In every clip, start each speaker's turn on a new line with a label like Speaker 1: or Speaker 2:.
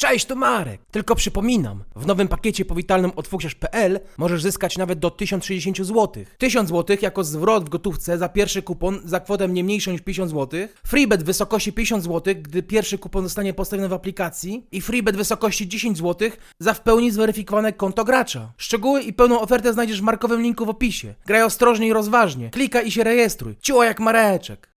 Speaker 1: Cześć, to Marek. Tylko przypominam, w nowym pakiecie powitalnym od fuksiarz.pl możesz zyskać nawet do 1060 zł. 1000 zł jako zwrot w gotówce za pierwszy kupon za kwotę nie mniejszą niż 50 zł, freebet w wysokości 50 zł, gdy pierwszy kupon zostanie postawiony w aplikacji i freebet w wysokości 10 zł za w pełni zweryfikowane konto gracza. Szczegóły i pełną ofertę znajdziesz w markowym linku w opisie. Graj ostrożnie i rozważnie. Klikaj i się rejestruj. Ciło jak Mareczek.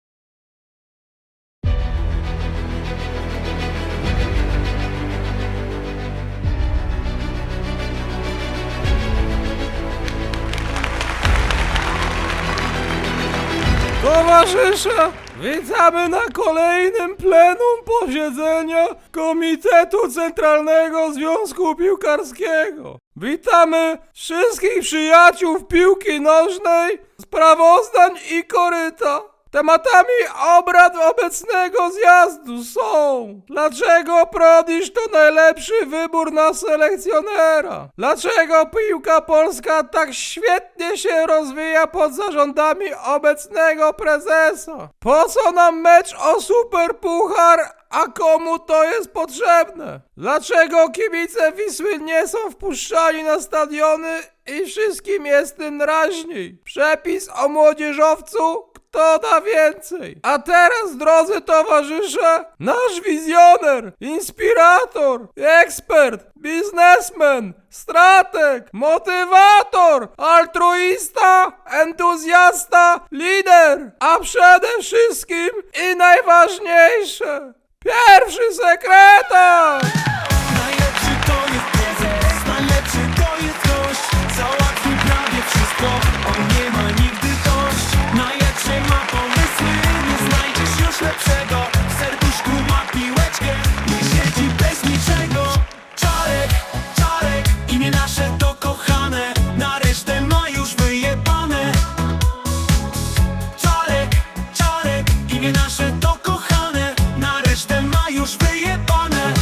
Speaker 2: Towarzysze, witamy na kolejnym plenum posiedzenia Komitetu Centralnego Związku Piłkarskiego. Witamy wszystkich przyjaciół piłki nożnej, sprawozdań i koryta. Tematami obrad obecnego zjazdu są: dlaczego Prodisz to najlepszy wybór na selekcjonera? Dlaczego piłka polska tak świetnie się rozwija pod zarządami obecnego prezesa? Po co nam mecz o Superpuchar, a komu to jest potrzebne? Dlaczego kibice Wisły nie są wpuszczani na stadiony i wszystkim jest tym raźniej? Przepis o młodzieżowcu? Kto da więcej? A teraz, drodzy towarzysze, nasz wizjoner, inspirator, ekspert, biznesmen, strateg, motywator, altruista, entuzjasta, lider, a przede wszystkim i najważniejsze, pierwszy sekretarz!
Speaker 3: Najlepszy to jest prezes, najlepszy to jest gość. Załatwi prawie wszystko, on nie ma nigdy dość. Najlepszy ma pomysły, nie znajdziesz już lepszego. W serduszku ma piłeczkę i siedzi bez niczego. Czarek, Czarek, imię nasze to kochane, na resztę ma już wyjebane. Czarek, Czarek, imię nasze to kochane, na resztę ma już wyjebane.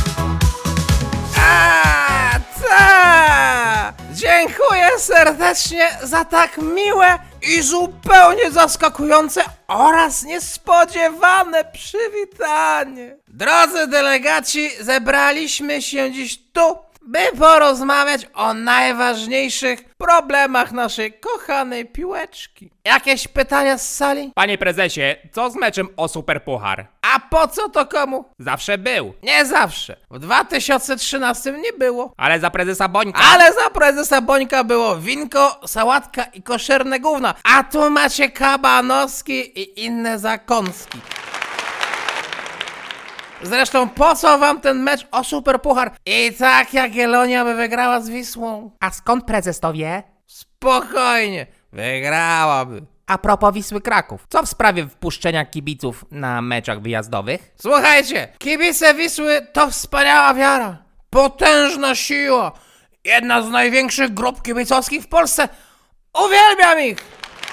Speaker 1: Dziękuję serdecznie za tak miłe i zupełnie zaskakujące oraz niespodziewane przywitanie. Drodzy delegaci, zebraliśmy się dziś tu, by porozmawiać o najważniejszych problemach naszej kochanej piłeczki. Jakieś pytania z sali?
Speaker 4: Panie prezesie, co z meczem o Superpuchar?
Speaker 1: A po co to komu?
Speaker 4: Zawsze był.
Speaker 1: Nie zawsze. W 2013 nie było.
Speaker 4: Ale za prezesa Bońka.
Speaker 1: Ale za prezesa Bońka było winko, sałatka i koszerne gówna. A tu macie kabanowski i inne zakąski. Zresztą po co wam ten mecz o Superpuchar? I tak Jagiellonia by wygrała z Wisłą.
Speaker 4: A skąd prezes to wie?
Speaker 1: Spokojnie, wygrałaby.
Speaker 4: A propos Wisły Kraków, co w sprawie wpuszczenia kibiców na meczach wyjazdowych?
Speaker 1: Słuchajcie, kibice Wisły to wspaniała wiara, potężna siła, jedna z największych grup kibicowskich w Polsce. Uwielbiam ich!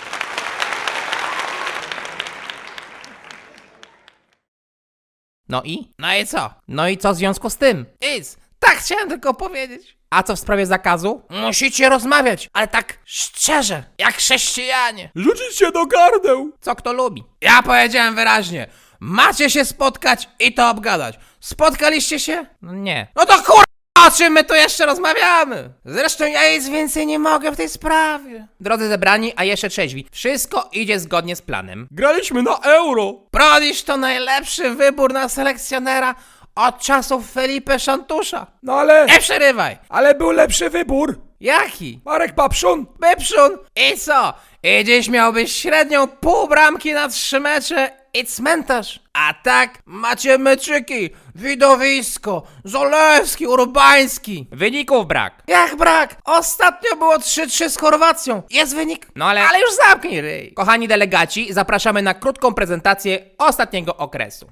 Speaker 4: No i?
Speaker 1: No i co?
Speaker 4: No i co w związku z tym?
Speaker 1: Nic, tak chciałem tylko powiedzieć.
Speaker 4: A co w sprawie zakazu?
Speaker 1: Musicie rozmawiać, ale tak szczerze, jak chrześcijanie.
Speaker 2: Rzucić się do gardeł!
Speaker 4: Co kto lubi?
Speaker 1: Ja powiedziałem wyraźnie, macie się spotkać i to obgadać. Spotkaliście się?
Speaker 4: No nie.
Speaker 1: No to o czym my tu jeszcze rozmawiamy? Zresztą ja nic więcej nie mogę w tej sprawie.
Speaker 4: Drodzy zebrani, a jeszcze trzeźwi, wszystko idzie zgodnie z planem.
Speaker 2: Graliśmy na euro!
Speaker 1: Prodisz to najlepszy wybór na selekcjonera od czasów Felipe Szantusza.
Speaker 2: No ale...
Speaker 1: Nie przerywaj.
Speaker 2: Ale był lepszy wybór!
Speaker 1: Jaki?
Speaker 2: Marek Papszun!
Speaker 1: Byprzun. I co? I dziś miałbyś średnią pół bramki na 3 mecze i cmentarz. A tak macie meczyki, widowisko, Zolewski, Urbański.
Speaker 4: Wyników brak.
Speaker 1: Jak brak? Ostatnio było 3-3 z Chorwacją. Jest wynik?
Speaker 4: No ale...
Speaker 1: Ale już zamknij ryj.
Speaker 4: Kochani delegaci, zapraszamy na krótką prezentację ostatniego okresu.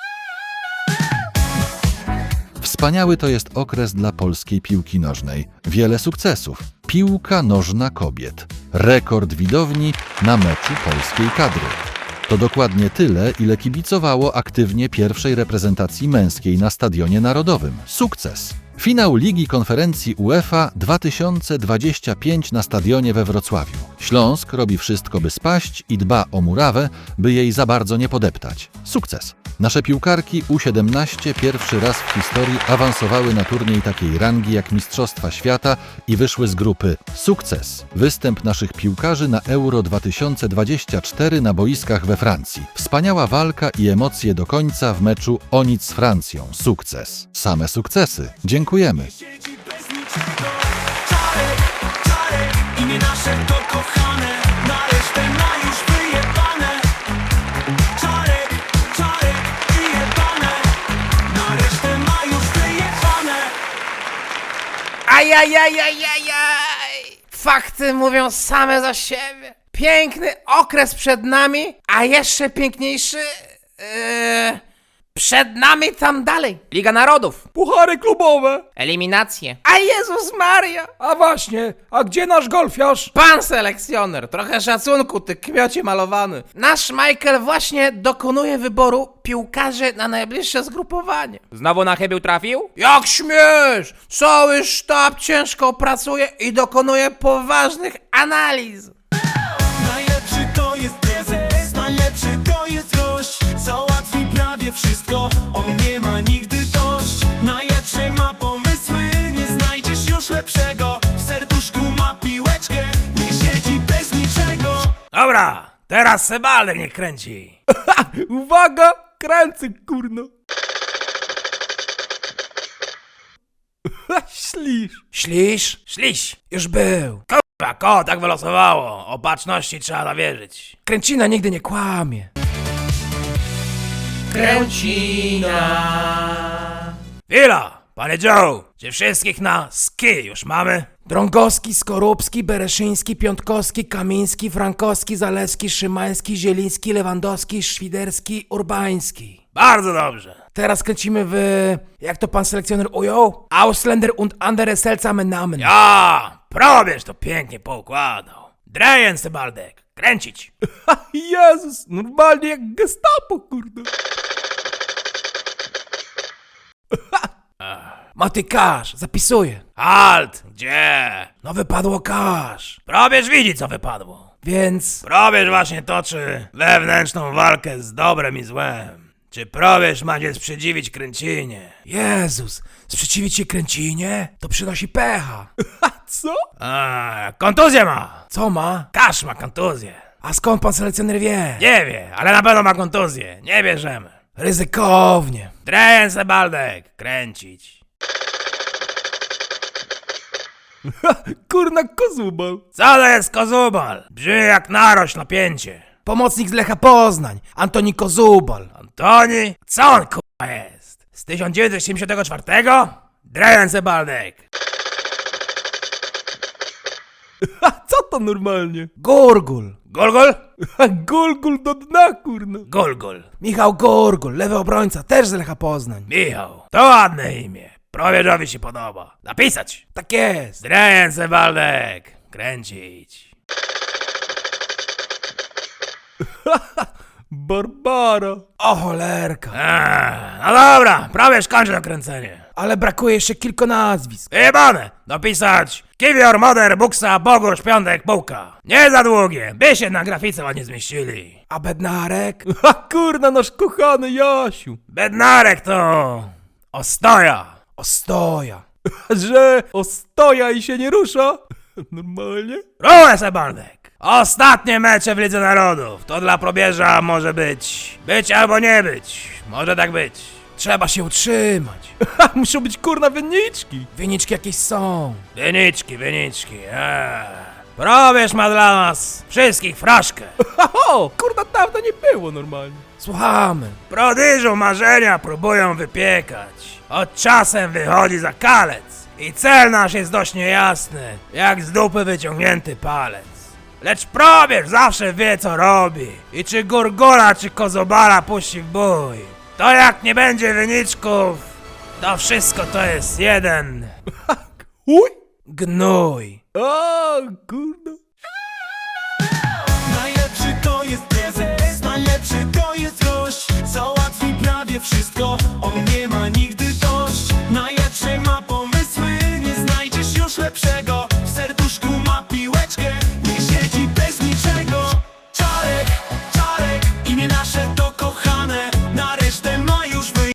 Speaker 5: Wspaniały to jest okres dla polskiej piłki nożnej. Wiele sukcesów. Piłka nożna kobiet. Rekord widowni na meczu polskiej kadry. To dokładnie tyle, ile kibicowało aktywnie pierwszej reprezentacji męskiej na Stadionie Narodowym. Sukces! Finał Ligi Konferencji UEFA 2025 na stadionie we Wrocławiu. Śląsk robi wszystko, by spaść i dba o murawę, by jej za bardzo nie podeptać. Sukces! Nasze piłkarki U17 pierwszy raz w historii awansowały na turniej takiej rangi jak Mistrzostwa Świata i wyszły z grupy. Sukces! Występ naszych piłkarzy na Euro 2024 na boiskach we Francji. Wspaniała walka i emocje do końca w meczu o nic z Francją. Sukces! Same sukcesy. Dziękujemy.
Speaker 3: Siedzi bez niczego. Czarek, Czarek, imię nasze to kochane. Na resztę ma już wyjebane. Czarek, Czarek, wyjebane. Na resztę ma już wyjebane.
Speaker 4: Ajajajajajaj! Fakty mówią same za siebie. Piękny okres przed nami, a jeszcze piękniejszy... przed nami tam dalej. Liga Narodów.
Speaker 2: Puchary klubowe.
Speaker 4: Eliminacje. A Jezus Maria!
Speaker 2: A właśnie, a gdzie nasz golfiarz?
Speaker 4: Pan selekcjoner, trochę szacunku, ty kmiocie malowany. Nasz Michael właśnie dokonuje wyboru piłkarzy na najbliższe zgrupowanie. Znowu na chybił trafił? Jak śmiesz! Cały sztab ciężko pracuje i dokonuje poważnych analiz.
Speaker 3: Najlepszy to jest prezes, najlepszy to jest gość. Załatwi prawie wszystko, on nie ma nigdy dość. Najlepszy ma pomysły, nie znajdziesz już lepszego. W serduszku ma piłeczkę, nie siedzi bez niczego.
Speaker 1: Dobra, teraz Sebaldek niech kręci.
Speaker 2: Uwaga, kręcę, kurno. Ślisz.
Speaker 1: Ślisz?
Speaker 4: Śliś.
Speaker 1: Już był.
Speaker 4: Kurwa, ko, tak wylosowało. Opatrzności trzeba zawierzyć.
Speaker 1: Kręcina nigdy nie kłamie.
Speaker 4: Kręcina.
Speaker 1: Chwila, panie Joe, czy wszystkich na ski już mamy? Drągowski, Skorupski, Bereszyński, Piątkowski, Kamiński, Frankowski, Zaleski, Szymański, Zieliński, Lewandowski, Świderski, Urbański. Bardzo dobrze. Teraz kręcimy w... jak to pan selekcjoner ujął? Ausländer und andere seltsame Namen. Ja, probierz to pięknie poukładał. Drejen, Sebaldek, kręcić.
Speaker 2: Jezus, normalnie jak Gestapo, kurde.
Speaker 1: Maty kasz, zapisuję.
Speaker 4: Halt! Gdzie?
Speaker 1: No wypadło kasz.
Speaker 4: Probierz widzi, co wypadło.
Speaker 1: Więc...
Speaker 4: Probierz właśnie toczy wewnętrzną walkę z dobrem i złem. Czy probierz ma się sprzeciwić kręcinie?
Speaker 1: Jezus, sprzeciwić się kręcinie? To przynosi pecha.
Speaker 2: Co?
Speaker 4: A, kontuzję ma!
Speaker 1: Co ma?
Speaker 4: Kasz ma kontuzję.
Speaker 1: A skąd pan selekcjoner wie?
Speaker 4: Nie wie, ale na pewno ma kontuzję. Nie bierzemy.
Speaker 1: Ryzykownie.
Speaker 4: Drejen, Sebaldek, kręcić.
Speaker 2: Kurna kozubal.
Speaker 4: Co to jest kozubal? Brzmi jak narośl napięcie.
Speaker 1: Pomocnik z Lecha Poznań, Antoni Kozubal.
Speaker 4: Antoni? Co on k***a jest? Z 1974? Drejen, Sebaldek.
Speaker 2: Co to normalnie?
Speaker 1: Gurgul.
Speaker 4: Golgol?
Speaker 2: Gulgul do dna, kurna.
Speaker 4: Golgol.
Speaker 1: Michał Gurgul, lewy obrońca, też z Lecha Poznań.
Speaker 4: Michał, to ładne imię. Probierzowi się podoba. Napisać.
Speaker 1: Tak jest.
Speaker 4: Drejen, Sebaldek. Kręcić.
Speaker 2: Barbara.
Speaker 1: O cholerka.
Speaker 4: No dobra, prawie skończę to kręcenie.
Speaker 1: Ale brakuje jeszcze kilku nazwisk.
Speaker 4: Jebane! Dopisać Kiwior, Moder, Buksa, Bogusz, Piątek, Bułka. Nie za długie, by się na grafice ładnie zmieścili.
Speaker 1: A Bednarek?
Speaker 2: A kurna, nasz kochany Jasiu.
Speaker 4: Bednarek to... Ostoja.
Speaker 1: Ostoja.
Speaker 2: Że ostoja i się nie rusza? Normalnie?
Speaker 4: Rułę, Sebaldek. Ostatnie mecze w Lidze Narodów. To dla probierza może być. Być albo nie być. Może tak być.
Speaker 1: Trzeba się utrzymać.
Speaker 2: Muszą być kurna wyniczki.
Speaker 1: Wyniczki jakieś są.
Speaker 4: Wyniczki. Probierz ma dla nas wszystkich fraszkę.
Speaker 2: O, kurna, dawno nie było normalnie.
Speaker 1: Słuchamy.
Speaker 4: Prodyżu marzenia próbują wypiekać. Od czasem wychodzi za kalec. I cel nasz jest dość niejasny, jak z dupy wyciągnięty palec. Lecz probierz zawsze wie co robi. I czy Gurgula, czy Kozobala puści w bój. To jak nie będzie wyniczków, to wszystko to jest jeden.
Speaker 2: Uj.
Speaker 1: Gnój.
Speaker 2: O, kurna.
Speaker 3: Najlepszy to jest prezes, najlepszy to jest gość. Załatwi prawie wszystko, on